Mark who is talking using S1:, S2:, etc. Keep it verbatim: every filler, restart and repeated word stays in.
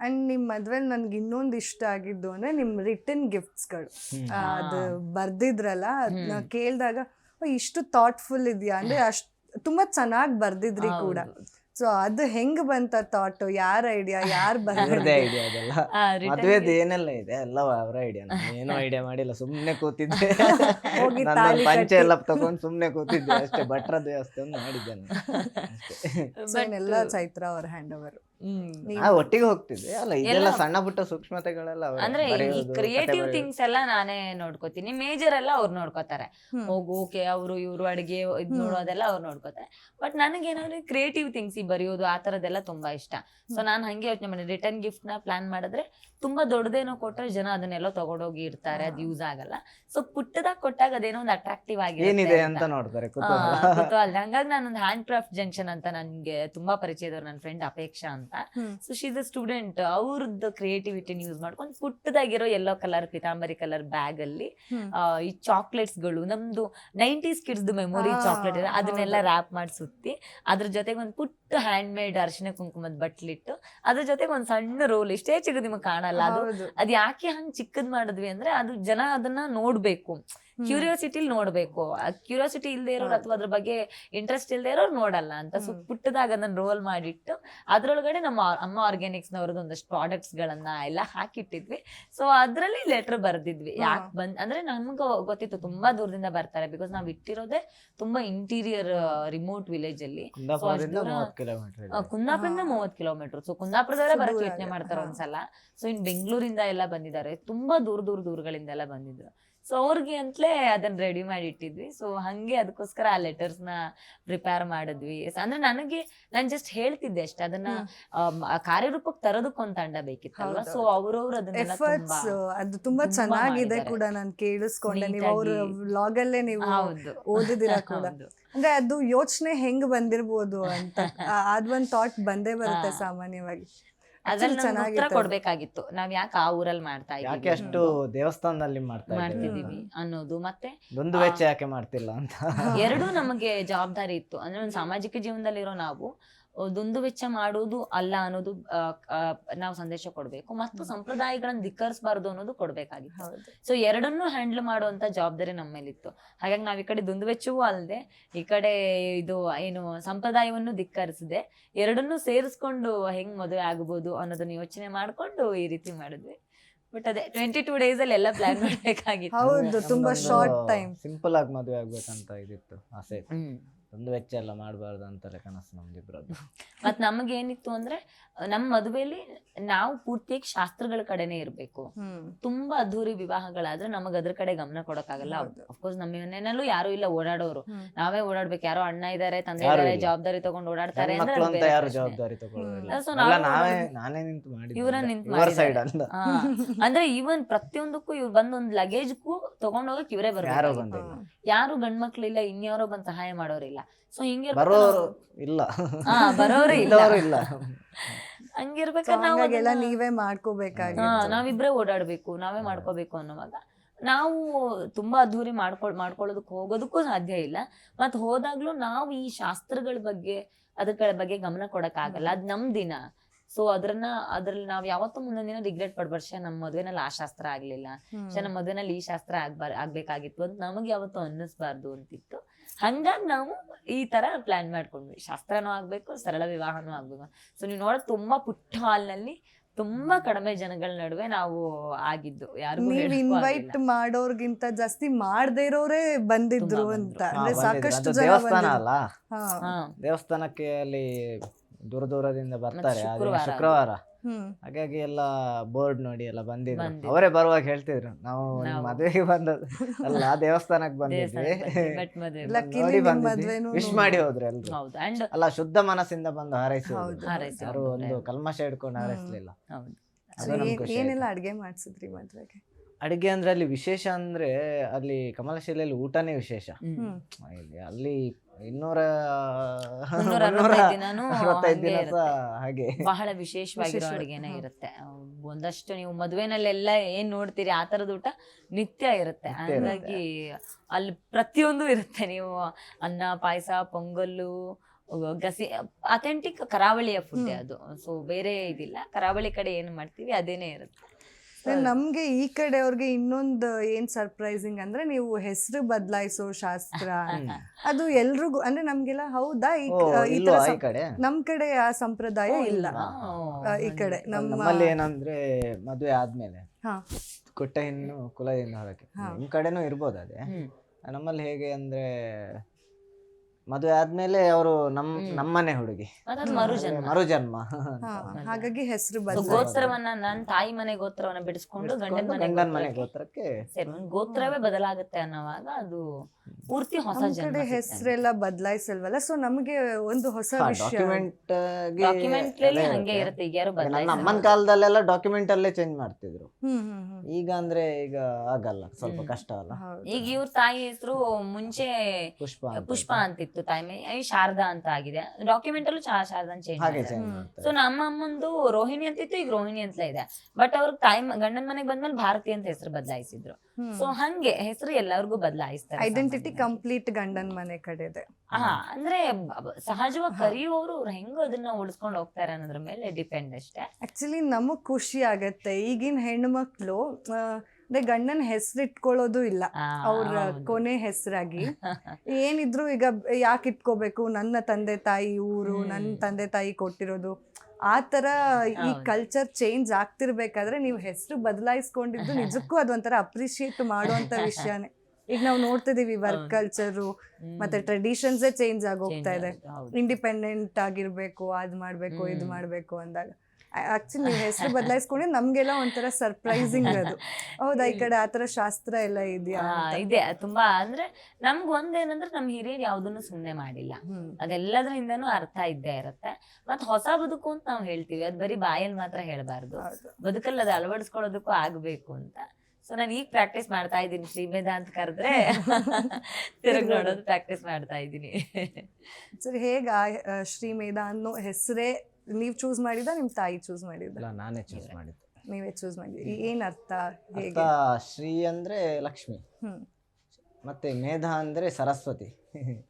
S1: And ನಿಮ್ ಮದ್ವೆಲ್ ನನ್ಗೆ ಇನ್ನೊಂದು ಇಷ್ಟ ಆಗಿದ್ದು ಅಂದ್ರೆ ನಿಮ್ ರಿಟರ್ನ್ ಗಿಫ್ಟ್ಸ್ಗಳು ಅದು ಬರ್ದಿದ್ರಲ್ಲ ಅದನ್ನ ಕೇಳಿದಾಗ ಇಷ್ಟು ಥಾಟ್ಫುಲ್ ಇದೆಯಾ ಅಂದ್ರೆ ಅಷ್ಟ್ ತುಂಬಾ ಚೆನ್ನಾಗಿ ಬರ್ದಿದ್ರಿ ಕೂಡ. ಸೊ ಅದು ಹೆಂಗ್ ಬಂತ ಥಾಟ್, ಯಾರ ಐಡಿಯಾ, ಯಾರು
S2: ಅವ್ರದೇ ಐಡಿಯಾ ಅದೆಲ್ಲ. ಮದ್ವೆದ್ ಏನೆಲ್ಲ ಇದೆ ಎಲ್ಲ ಅವರ ಐಡಿಯಾ, ಏನೋ ಐಡಿಯಾ ಮಾಡಿಲ್ಲ, ಸುಮ್ನೆ ಕೂತಿದ್ದೆ. ನನ್ನ ಪಂಚೆ ಎಲ್ಲ ತಗೊಂಡ್ ಸುಮ್ನೆ ಕೂತಿದ್ದೆ ಅಷ್ಟೇ, ಭಟ್ರ ದೇವಸ್ಥಾನ ಮಾಡಿದ್ದೆ ನಾನು.
S1: ಎಲ್ಲ ಚೈತ್ರ ಅವ್ರ ಹ್ಯಾಂಡ್ ಓವರ್.
S2: ಒಟ್ಟಿಗೆ ಹೋಗ್ತಿದ್ದೆ ಅಲ್ಲ, ಇದೆಲ್ಲ ಸಣ್ಣ ಪುಟ್ಟ ಸೂಕ್ಷ್ಮತೆಗಳೆಲ್ಲ
S3: ಅಂದ್ರೆ ಈ ಕ್ರಿಯೇಟಿವ್ ಥಿಂಗ್ಸ್ ಎಲ್ಲ ನಾನೇ ನೋಡ್ಕೋತೀನಿ, ಮೇಜರ್ ಎಲ್ಲ ಅವ್ರು ನೋಡ್ಕೋತಾರೆ. ಹೋಗು ಓಕೆ ಅವರು ಇವ್ರು ಅಡಿಗೆ ಇದ್ ನೋಡೋದೆಲ್ಲ ಅವ್ರು ನೋಡ್ಕೋತಾರೆ. ಬಟ್ ನನಗೇನಾದ್ರೆ ಕ್ರಿಯೇಟಿವ್ ಥಿಂಗ್ಸ್ ಈ ಬರೆಯೋದು ಆ ತರದೆಲ್ಲ ತುಂಬಾ ಇಷ್ಟ. ಸೊ ನಾನು ಹಂಗೆ ಯೋಚನೆ ಮಾಡಿ ರಿಟರ್ನ್ ಗಿಫ್ಟ್ ನ ಪ್ಲಾನ್ ಮಾಡಿದ್ರೆ ತುಂಬಾ ದೊಡ್ಡದೇನೋ ಕೊಟ್ರೆ ಜನ ಅದನ್ನೆಲ್ಲ ತಗೊಂಡೋಗಿ ಇರ್ತಾರೆ, ಅದು ಯೂಸ್ ಆಗಲ್ಲ. ಸೊ ಪುಟ್ಟದಾಗ ಕೊಟ್ಟಾಗ ಅದೇನೋ ಒಂದು ಅಟ್ರಾಕ್ಟಿವ್
S2: ಏನಿದೆ ಅಂತ ನೋಡ್ತಾರೆ,
S3: ಕುತೂಹಲ. ಹಂಗಾಗಿ ನಾನೊಂದು ಹ್ಯಾಂಡ್ ಕ್ರಾಫ್ಟ್ ಜಂಕ್ಷನ್ ಅಂತ ನನ್ಗೆ ತುಂಬಾ ಪರಿಚಯದವ್ರು, ನನ್ನ ಫ್ರೆಂಡ್ ಅಪೇಕ್ಷಾ ಅಂತ. ಸೊ ಶೀಸ್ ಅ ಸ್ಟೂಡೆಂಟ್, ಅವ್ರದ್ದು ಕ್ರಿಯೇಟಿವಿಟಿನ ಯೂಸ್ ಮಾಡ್ಕೊಂಡು ಪುಟ್ಟದಾಗಿರೋ yellow colour Pitambari colour bag ಅಲ್ಲಿ ಈ ಚಾಕ್ಲೇಟ್ಸ್ ಗಳು, ನಮ್ದು ನೈಂಟೀಸ್ ಕಿಡ್ಸ್ ಮೆಮೊರಿ ಚಾಕ್ಲೇಟ್ ಇದೆ, ಅದನ್ನೆಲ್ಲ ರ್ಯಾಪ್ ಮಾಡಿ ಸುತ್ತಿ ಅದ್ರ ಜೊತೆಗೆ ಒಂದು ಪುಟ್ಟ ಹ್ಯಾಂಡ್ ಮೇಡ್ ಅರಿಶಿನ ಕುಂಕುಮದ ಬಟ್ಲಿಟ್ಟು ಅದ್ರ ಜೊತೆಗೆ ಒಂದ್ ಸಣ್ಣ ರೋಲ್, ಇಷ್ಟೇ ಚಿಕ್ಕದು ನಿಮಗೆ ಕಾಣಲ್ಲ. ಅದು ಅದ್ ಯಾಕೆ ಹಂಗ್ ಚಿಕ್ಕದ್ ಮಾಡಿದ್ವಿ ಅಂದ್ರೆ ಅದು ಜನ ಅದನ್ನ ನೋಡ್ಬೇಕು, ಕ್ಯೂರಿಯಾಸಿಟಿಲಿ ನೋಡ್ಬೇಕು. ಕ್ಯೂರಿಯಾಸಿಟಿ ಇಲ್ದೇ ಇರೋರು ಅಥವಾ ಅದ್ರ ಬಗ್ಗೆ ಇಂಟ್ರೆಸ್ಟ್ ಇಲ್ದೇ ಇರೋರು ನೋಡಲ್ಲ ಅಂತ. ಸೊ ಪುಟ್ಟದಾಗ ಅದನ್ನ ರೋಲ್ ಮಾಡಿಟ್ಟು ಅದ್ರೊಳಗಡೆ ನಮ್ಮ ಅಮ್ಮ ಆರ್ಗ್ಯಾನಿಕ್ಸ್ ನವ್ರದ್ದು ಒಂದಷ್ಟು ಪ್ರಾಡಕ್ಟ್ಸ್ ಗಳನ್ನ ಎಲ್ಲ ಹಾಕಿಟ್ಟಿದ್ವಿ. ಸೊ ಅದ್ರಲ್ಲಿ ಲೆಟರ್ ಬರ್ದಿದ್ವಿ. ಯಾಕೆ ಬಂದ್ ಅಂದ್ರೆ ನಮ್ಗೆ ಗೊತ್ತಿತ್ತು ತುಂಬಾ ದೂರದಿಂದ ಬರ್ತಾರೆ, ಬಿಕಾಸ್ ನಾವ್ ಇಟ್ಟಿರೋದೇ ತುಂಬಾ ಇಂಟೀರಿಯರ್ ರಿಮೋಟ್ ವಿಲೇಜ್ ಅಲ್ಲಿ. ಕುಂದಾಪುರದಿಂದ ಮೂವತ್ ಕಿಲೋಮೀಟರ್. ಸೊ ಕುಂದಾಪುರದವರೇ ಬರಕ್ ಯೋಚನೆ ಮಾಡ್ತಾರೆ ಒಂದ್ಸಲ. ಸೊ ಇನ್ ಬೆಂಗಳೂರಿಂದ ಎಲ್ಲ ಬಂದಿದ್ದಾರೆ, ತುಂಬಾ ದೂರ ದೂರ ದೂರಗಳಿಂದ ಎಲ್ಲ ಬಂದಿದ್ರು. ಸೊ ಅವ್ರಿಗೆ ಅಂತಲೇ ಅದನ್ನ ರೆಡಿ ಮಾಡಿ ಇಟ್ಟಿದ್ವಿ. ಸೊ ಹಂಗೆ ಅದಕ್ಕೋಸ್ಕರ ಆ ಲೆಟರ್ಸ್ ನ ಪ್ರಿಪೇರ್ ಮಾಡಿದ್ವಿ. ಅಂದ್ರೆ ನನಗೆ ನಾನು ಜಸ್ಟ್ ಹೇಳ್ತಿದ್ದೆ ಅಷ್ಟೇ, ಅದನ್ನ ಕಾರ್ಯರೂಪಕ್ಕೆ ತರೋದಕ್ಕೊಂದು ತಂಡ ಬೇಕಿತ್ತಲ್ವಾ. ಸೊ ಅವ್ರವ್ರು ಅದನ್ನೆಲ್ಲ
S1: ಅದು ತುಂಬಾ ಚೆನ್ನಾಗಿದೆ ಕೂಡ ನಾನು ಕೇಳಿಸ್ಕೊಂಡೆ. ನೀವು ಅವ್ರ ವ್ಲಾಗ್ ಅಲ್ಲೇ ನೀವು ಓದಿದಿರ ಕೂಡ. ಅಂದ್ರೆ ಅದು ಯೋಚನೆ ಹೆಂಗ್ ಬಂದಿರ್ಬೋದು ಅಂತ ಅದೊಂದ್ ಥಾಟ್ ಬಂದೇ ಬರುತ್ತೆ ಸಾಮಾನ್ಯವಾಗಿ.
S3: ಅದನ್ನ ಉತ್ತರ ಕೊಡ್ಬೇಕಾಗಿತ್ತು, ನಾವ್ ಯಾಕೆ ಆ ಊರಲ್ಲಿ ಮಾಡ್ತಾ
S2: ಯಾಕೆ ಅಷ್ಟು ದೇವಸ್ಥಾನದಲ್ಲಿ
S3: ಮಾಡ್ತಿದೀವಿ ಅನ್ನೋದು, ಮತ್ತೆ
S2: ಒಂದು ವೆಚ್ಚ ಯಾಕೆ ಮಾಡ್ತಿಲ್ಲ ಅಂತ
S3: ಎರಡೂ ನಮಗೆ ಜವಾಬ್ದಾರಿ ಇತ್ತು. ಅಂದ್ರೆ ಒಂದು ಸಾಮಾಜಿಕ ಜೀವನದಲ್ಲಿರೋ ನಾವು ದುಂದು ವೆಚ್ಚ ಮಾಡೋದು ಅಲ್ಲ ಅನ್ನೋದು ನಾವು ಸಂದೇಶ ಕೊಡ್ಬೇಕು, ಮತ್ತು ಸಂಪ್ರದಾಯಗಳನ್ನ ಧಿಕ್ಕರಿಸಬಾರ್ದು ಅನ್ನೋದು ಕೊಡ್ಬೇಕಾಗಿತ್ತು. ಸೊ ಎರಡನ್ನೂ ಹ್ಯಾಂಡಲ್ ಮಾಡುವಂತ ಜವಾಬ್ದಾರಿ ನಮ್ಮ ಮೇಲಿತ್ತು. ಹಾಗಾಗಿ ನಾವ್ ಈ ಕಡೆ ದುಂದು ವೆಚ್ಚವೂ ಅಲ್ಲದೆ ಈ ಕಡೆ ಇದು ಏನು ಸಂಪ್ರದಾಯವನ್ನು ಧಿಕ್ಕರಿಸದೆ ಎರಡನ್ನೂ ಸೇರಿಸ್ಕೊಂಡು ಹೆಂಗ್ ಮದುವೆ ಆಗ್ಬೋದು ಅನ್ನೋದನ್ನ ಯೋಚನೆ ಮಾಡ್ಕೊಂಡು ಈ ರೀತಿ ಮಾಡಿದ್ವಿ. ಬಟ್ ಅದೇ ಟ್ವೆಂಟಿ ಟೂ ಡೇಸ್ ಅಲ್ಲಿ ಎಲ್ಲ ಪ್ಲಾನ್ ಮಾಡ್ಬೇಕಾಗಿತ್ತು.
S1: ಹೌದು, ತುಂಬಾ ಶಾರ್ಟ್ ಟೈಮ್.
S2: ಸಿಂಪಲ್ ಆಗಿ ಮದುವೆ ಆಗ್ಬೇಕಂತ ಇದಿತ್ತು ಆಸೆ. ಒಂದು ವೆಚ್ಚ ಎಲ್ಲ ಮಾಡಬಾರ್ದು ಅಂತಾರೆ ಕನಸು ನಮ್ದಿಬ್ರದ್ದು.
S3: ಮತ್ ನಮಗೆ ಏನಿತ್ತು ಅಂದ್ರೆ ನಮ್ಮ ಮದುವೆಯಲ್ಲಿ ನಾವು ಪೂರ್ತಿಯಾಗಿ ಶಾಸ್ತ್ರಗಳ ಕಡೆನೆ ಇರ್ಬೇಕು. ತುಂಬಾ ಅದ್ದೂರಿ ವಿವಾಹಗಳಾದ್ರೆ ನಮಗ್ ಅದ್ರ ಕಡೆ ಗಮನ ಕೊಡಕ್ಕಾಗಲ್ಲ. ಅಫ್ಕೋರ್ಸ್ ನಮ್ಮ ಮನೆಯಲ್ಲೂ ಯಾರು ಇಲ್ಲ ಓಡಾಡೋರು, ನಾವೇ ಓಡಾಡ್ಬೇಕು. ಯಾರೋ ಅಣ್ಣ ಇದಾರೆ, ತಂದೆ ಇದಾರೆ, ಜವಾಬ್ದಾರಿ ತಗೊಂಡು ಓಡಾಡ್ತಾರೆ ಅಂದ್ರೆ ಇವ್ರ ನಿಂತು ಅಂದ್ರೆ ಈವನ್ ಪ್ರತಿಯೊಂದಕ್ಕೂ ಇವ್ರು ಬಂದೊಂದ್ ಲಗೇಜ್ಗೂ ತಗೊಂಡೋಗಕ್ ಇವರೇ ಬರ್ಬೇಕು. ಯಾರು ಗಂಡ್ಮಕ್ಳು ಇಲ್ಲ, ಇನ್ಯಾರೋ ಬಂದ್ ಸಹಾಯ ಮಾಡೋರಿಲ್ಲ. ಸೊ ಹಿಂಗೆ
S2: ಬರೋರು ಇಲ್ಲ,
S3: ಹಾ ಬರೋರೇ ಇಲ್ಲ.
S1: ಹಂಗಿರ್ಬೇಕಾದ್ರೆ ನಾವೆಲ್ಲ ನೀವೇ ಮಾಡ್ಕೋಬೇಕಾಗಿ
S3: ನಾವಿಬ್ರೇ ಓಡಾಡ್ಬೇಕು, ನಾವೇ ಮಾಡ್ಕೋಬೇಕು ಅನ್ನೋವಾಗ ನಾವು ತುಂಬಾ ಅದ್ದೂರಿ ಮಾಡ್ಕೊಳ್ ಮಾಡ್ಕೊಳ್ಳೋದಕ್ಕೆ ಹೋಗೋದಕ್ಕೂ ಸಾಧ್ಯ ಇಲ್ಲ. ಮತ್ ಹೋದಾಗ್ಲೂ ನಾವು ಈ ಶಾಸ್ತ್ರಗಳ ಬಗ್ಗೆ ಅದರ ಬಗ್ಗೆ ಗಮನ ಕೊಡಕ್ ಆಗಲ್ಲ. ಅದ್ ನಮ್ ದಿನ. ಸೊ ಅದ್ರನ್ನ ಅದ್ರಲ್ಲಿ ನಾವ್ ಯಾವತ್ತೂ ಮುಂದೊಂದ್ ದಿನ ರಿಗ್ರೆಟ್ ಪಡ್ಬಾರ್ದು, ಶೇ ನಮ್ ಮದ್ವೆನಲ್ಲಿ ಆ ಶಾಸ್ತ್ರ ಆಗ್ಲಿಲ್ಲ, ಶೇ ನಮ್ ಮದ್ವೆನಲ್ಲಿ ಈ ಶಾಸ್ತ್ರ ಆಗ್ಬಾರ್ ಆಗ್ಬೇಕಾಗಿತ್ತು ಅಂತ ನಮಗೆ ಯಾವತ್ತೂ ಅನ್ನಿಸ್ಬಾರ್ದು ಅಂತಿತ್ತು. ಹಂಗಾಗಿ ನಾವು ಈ ತರ ಪ್ಲಾನ್ ಮಾಡ್ಕೊಂಡ್ವಿ, ಶಾಸ್ತ್ರನೂ ಆಗ್ಬೇಕು, ಸರಳ ವಿವಾಹನೂ ಆಗ್ಬೇಕು. ಸೊ ನೀವು ನೋಡೋದು ತುಂಬಾ ಪುಟ್ಟ ಹಾಲ್ನಲ್ಲಿ ತುಂಬಾ ಕಡಿಮೆ ಜನಗಳ ನಡುವೆ ನಾವು ಆಗಿದ್ದು. ಯಾರಿಗೂ
S1: ಇನ್ವೈಟ್ ಮಾಡೋರ್ಗಿಂತ ಜಾಸ್ತಿ ಮಾಡದೇ ಇರೋರೇ ಬಂದಿದ್ರು ಅಂತ. ಅಂದ್ರೆ ಸಾಕಷ್ಟು ಜನ
S2: ದೇವಸ್ಥಾನ ಅಲ್ಲ, ದೇವಸ್ಥಾನಕ್ಕೆ ಅಲ್ಲಿ ದೂರ ದೂರದಿಂದ ಬರ್ತಾರೆ ಶುಕ್ರವಾರ. ಹಾಗಾಗಿ ಎಲ್ಲ ಬೋರ್ಡ್ ನೋಡಿ ಎಲ್ಲ ಬಂದಿದ್ರು. ಅವರೇ ಬರುವಾಗ ಹೇಳ್ತಿದ್ರು, ನಾವು ಮದುವೆಗೆ ಬಂದದ್ದು ಅಲ್ಲ, ದೇವಸ್ಥಾನಕ್ಕೆ ಬಂದಿದ್ವಿ, ವಿಶ್ ಮಾಡಿ ಹೋದ್ರು ಎಲ್ರು. ಅಲ್ಲ, ಶುದ್ಧ ಮನಸ್ಸಿಂದ ಬಂದು ಹಾರೈಸಿ, ಯಾರು ಒಂದು ಕಲ್ಮಶ ಇಟ್ಕೊಂಡು ಹಾರೈಸ್ಲಿಲ್ಲ.
S1: ಏನೆಲ್ಲ ಅಡ್ಗೆ ಮಾಡ್ಸಿದ್ರಿ ಮದ್ವೆಗೆ?
S2: ಅಡಿಗೆ ಅಂದ್ರೆ ಅಲ್ಲಿ ವಿಶೇಷ ಅಂದ್ರೆ ಅಲ್ಲಿ ಕಮಲಶಿಲೆಯಲ್ಲಿ ಊಟನೇ ವಿಶೇಷ. ಅಲ್ಲಿ ಇನ್ನೂರ
S3: ಹಾಗೆ ಬಹಳ ವಿಶೇಷವಾಗಿರೋ ಅಡಿಗೆನೇ ಇರುತ್ತೆ. ಒಂದಷ್ಟು ನೀವು ಮದುವೆನಲ್ಲೆಲ್ಲ ಏನ್ ನೋಡ್ತೀರಿ ಆ ತರದ ಊಟ ನಿತ್ಯ ಇರುತ್ತೆ. ಹಾಗಾಗಿ ಅಲ್ಲಿ ಪ್ರತಿಯೊಂದು ಇರುತ್ತೆ. ನೀವು ಅನ್ನ, ಪಾಯಸ, ಪೊಂಗಲ್ಲು, ಗಸಿ ಅಥೆಂಟಿಕ್ ಕರಾವಳಿಯ ಫುಡ್ ಅದು. ಸೊ ಬೇರೆ ಇದಿಲ್ಲ, ಕರಾವಳಿ ಕಡೆ ಏನು ಮಾಡ್ತೀವಿ ಅದೇನೇ ಇರುತ್ತೆ.
S1: ನಮ್ಗೆ ಈ ಕಡೆಯವ್ರಿಗೆ ಇನ್ನೊಂದು ಏನ್ ಸರ್ಪ್ರೈಸಿಂಗ್ ಅಂದ್ರೆ ನೀವು ಹೆಸರು ಬದಲಾಯಿಸೋ ಶಾಸ್ತ್ರ ಅದು ಎಲ್ರಿಗೂ ಅಂದ್ರೆ ನಮ್ಗೆಲ್ಲ ಹೌದಾ ಈ
S2: ಓ,
S1: ಈ
S2: ಇಲ್ವಾ
S1: ತರ
S2: ಈ ಕಡೆ
S1: ನಮ್ ಕಡೆ ಆ ಸಂಪ್ರದಾಯ ಇಲ್ಲ. ಆ, ಈ ಕಡೆ ನಮ್ಮ
S2: ನಮ್ಮಲ್ಲಿ ಏನಂದ್ರೆ ಮದುವೆ ಆದ್ಮೇಲೆ
S1: ಹಾ
S2: ಕೊಟ್ಟ ಹೆಣ್ಣು ಕುಲದಿಂದ ಹೊರಗೆ, ನಿಮ್ ಕಡೆನೂ ಇರ್ಬೋದು ಅದೇ. ನಮ್ಮಲ್ಲಿ ಹೇಗೆ ಅಂದ್ರೆ ಮದುವೆ ಆದ್ಮೇಲೆ ಅವರು ನಮ್ ನಮ್ಮನೆ ಹುಡುಗಿ
S3: ಅದೊಂದು ಮರುಜನ್ಮ.
S2: ಮರುಜನ್ಮ.
S1: ಹಾ, ಹಾಗಾಗಿ ಹೆಸರು
S3: So,
S1: ಬದಲಾಯಿಸೋ
S3: ಗೋತ್ರವನ್ನ ನನ್ನ ತಾಯಿ ಮನೆ ಗೋತ್ರವನ್ನ ಬಿಡಿಸ್ಕೊಂಡು ಗಂಡನ ಮನೆ
S2: ಗಂಡನ ಮನೆ
S3: ಗೋತ್ರಕ್ಕೆ
S2: ಗೋತ್ರಕ್ಕೆ
S3: ಸೇರಿ ಒಂದ್ ಗೋತ್ರವೇ ಬದಲಾಗುತ್ತೆ ಅನ್ನೋವಾಗ ಅದು ಪೂರ್ತಿ ಹೊಸ
S1: ನಮ್
S3: ಜನ್ಮ.
S1: ಕಡೆ ಹೆಸರೆಲ್ಲ ಬದಲಾಯಿಸಲ್ವಲ್ಲ, ಸೊ ನಮ್ಗೆ ಒಂದು ಹೊಸ ವಿಷಯ.
S2: ಡಾಕ್ಯುಮೆಂಟ್
S3: ಡಾಕ್ಯುಮೆಂಟ್ ಹಂಗೆ ಇರುತ್ತೆ, ಈಗ ಯಾರು
S2: ನನ್ನ
S3: ಬದಲಾಯಿಸಲ್ಲ.
S2: ಅಮ್ಮನ ಕಾಲದಲ್ಲೆಲ್ಲ ಡಾಕ್ಯುಮೆಂಟ್ ಅಲ್ಲೇ ಚೇಂಜ್ ಮಾಡ್ತಿದ್ರು.
S1: ಹ್ಮ್ ಹ್ಮ್ ಹ್ಮ್
S2: ಈಗ ಅಂದ್ರೆ ಈಗ ಆಗಲ್ಲ, ಸ್ವಲ್ಪ ಕಷ್ಟ ಅಲ್ಲ.
S1: ಹೌದು.
S3: ಈಗ ಇವ್ರ ತಾಯಿ ಹೆಸರು ಮುಂಚೆ
S2: ಪುಷ್ಪ ಅಂತ
S3: ಪುಷ್ಪ ಅಂತಿತ್ತು, ತಾಯಿ ಮೇ- ಈ ಶಾರದಾ ಅಂತ ಆಗಿದೆ. ಡಾಕ್ಯುಮೆಂಟ್ ಅಲ್ಲೂ ಶಾ- ಶಾರದಾ ಚೇಂಜ್
S2: ಹಾಗೆ
S3: ಮಾಡಿದ್ದಾರೆ.
S2: ಚೇಂಜ್ ಮಾಡ್ತಾರೆ.
S3: ಸೊ ನಮ್ಮ ಅಮ್ಮಂದು ರೋಹಿಣಿ ಅಂತಿತ್ತು, ಈಗ ರೋಹಿಣಿ ಅಂತಲೇ ಇದೆ. ಬಟ್ ಅವ್ರ ತಾಯಿ ಮ- ಗಂಡನ ಮನೆಗೆ ಬಂದ್ಮೇಲೆ ಭಾರತಿ ಅಂತ ಹೆಸರು ಬದಲಾಯಿಸಿದ್ರು. ಸೊ ಹಂಗೆ ಹೆಸರು ಎಲ್ಲರಿಗೂ ಬದಲಾಯಿಸ್ತಾರೆ.
S1: ಐಡೆಂಟಿಟಿ ಕಂಪ್ಲೀಟ್ ಗಂಡನ ಮನೆ ಕಡೆದೆ.
S3: ಹಾ, ಅಂದ್ರೆ ಬ- ಬ- ಸಹಜವಾಗಿ ಕರೆಯುವವರು ಹೆಂಗ ಅದನ್ನ ಉಳಿಸ್ಕೊಂಡು ಹೋಗ್ತಾರೆ ಅನ್ನೋದ್ರ ಮೇಲೆ ಡಿಪೆಂಡ್ ಅಷ್ಟೇ.
S1: ಆಕ್ಚುಲಿ ನಮಗ್ ಖುಷಿ ಆಗತ್ತೆ ಈಗಿನ ಹೆಣ್ಮಕ್ಳು ಆ, ಅಂದ್ರೆ ಗಂಡನ ಹೆಸರು ಇಟ್ಕೊಳ್ಳೋದು ಇಲ್ಲ
S3: ಆ,
S1: ಅವ್ರ
S3: ಹೌದು.
S1: ಕೊನೆ ಹೆಸರಾಗಿ. ಏನಿದ್ರು ಈಗ ಯಾಕೆ ಇಟ್ಕೋಬೇಕು, ನನ್ನ ತಂದೆ ತಾಯಿ ಊರು, ನನ್ನ ತಂದೆ ತಾಯಿ ಕೊಟ್ಟಿರೋದು, ಆ ತರ ಈ ಕಲ್ಚರ್ ಚೇಂಜ್ ಆಗ್ತಿರ್ಬೇಕಾದ್ರೆ ನೀವು ಹೆಸರು ಬದಲಾಯಿಸ್ಕೊಂಡಿದ್ದು ನಿಜಕ್ಕೂ ಅದೊಂಥರ ಅಪ್ರಿಶಿಯೇಟ್ ಮಾಡುವಂತ ವಿಷಯನೇ. ಈಗ ನಾವು ನೋಡ್ತಿದೀವಿ ವರ್ಕ್ ಕಲ್ಚರು ಮತ್ತೆ ಟ್ರೆಡಿಷನ್ಸೇ ಚೇಂಜ್ ಆಗೋಗ್ತಾ ಇದೆ.
S3: ಹೌದು.
S1: ಇಂಡಿಪೆಂಡೆಂಟ್ ಆಗಿರ್ಬೇಕು, ಅದ್ ಮಾಡ್ಬೇಕು ಇದು ಮಾಡ್ಬೇಕು ಅಂದಾಗ ಆಕ್ಚುಲಿ ನೀವು ಹೆಸರು ಬದಲಾಯಿಸ್ಕೊಂಡ್ರೆ ನಮ್ಗೆಲ್ಲ ಒಂಥರ ಸರ್ಪ್ರೈಸಿಂಗ್ ಅದು. ಹೌದಾ, ಈ ಕಡೆ ಆತರ ಶಾಸ್ತ್ರ ಎಲ್ಲ ಇದೆಯಾ
S3: ಆ,
S1: ಅಂತ.
S3: ಇದೆ ತುಂಬಾ. ಅಂದ್ರೆ ನಮ್ಗ್ ಒಂದೇನಂದ್ರೆ ನಮ್ ಹಿರಿಯರು ಯಾವ್ದನ್ನು ಸುಮ್ನೆ ಮಾಡಿಲ್ಲ,
S1: ಹ್ಮ್.
S3: ಅದೆಲ್ಲದ್ರಿಂದನೂ ಅರ್ಥ ಇದ್ದೇ ಇರುತ್ತೆ. ಮತ್ ಹೊಸ ಬದುಕು ಅಂತ ನಾವ್ ಹೇಳ್ತೀವಿ, ಅದ್ ಬರೀ ಬಾಯಲ್ಲಿ ಮಾತ್ರ ಹೇಳ್ಬಾರ್ದು,
S1: ಹೌದು.
S3: ಬದುಕಲ್ಲಿ ಅದು ಅಳವಡಿಸ್ಕೊಳ್ಳೋದಕ್ಕೂ ಆಗ್ಬೇಕು ಅಂತ. ಸೊ ನಾನು ಈಗ ಪ್ರಾಕ್ಟೀಸ್ ಮಾಡ್ತಾ ಇದ್ದೀನಿ. ಶ್ರೀಮೇಧ ಅಂತ ಕರೆದ್ರೆ ತಿರುಗಿ ನೋಡೋದು ಪ್ರಾಕ್ಟೀಸ್ ಮಾಡ್ತಾ ಇದ್ದೀನಿ.
S1: ಸರಿ, ಹೇಗ ಆ, ಶ್ರೀಮೇಧ ಅನ್ನೋ ಹೆಸರೇ ನೀವ್ ಚೂಸ್ ಮಾಡಿದ, ನಿಮ್ ತಾಯಿ ಚೂಸ್ ಮಾಡಿದ?
S2: ಇಲ್ಲ, ನಾನೇ ಚೂಸ್ ಮಾಡಿದ್ದು.
S1: ನೀವೇ ಚೂಸ್ ಮಾಡಿದ್ರಿ. ಏನ್ ಅರ್ಥ,
S2: ಅರ್ಥ
S1: ಹೇಗೆ?
S2: ಶ್ರೀ ಅಂದ್ರೆ ಲಕ್ಷ್ಮಿ,
S1: ಹ್ಮ್
S2: ಮತ್ತೆ ಮೇಧ ಅಂದ್ರೆ ಸರಸ್ವತಿ.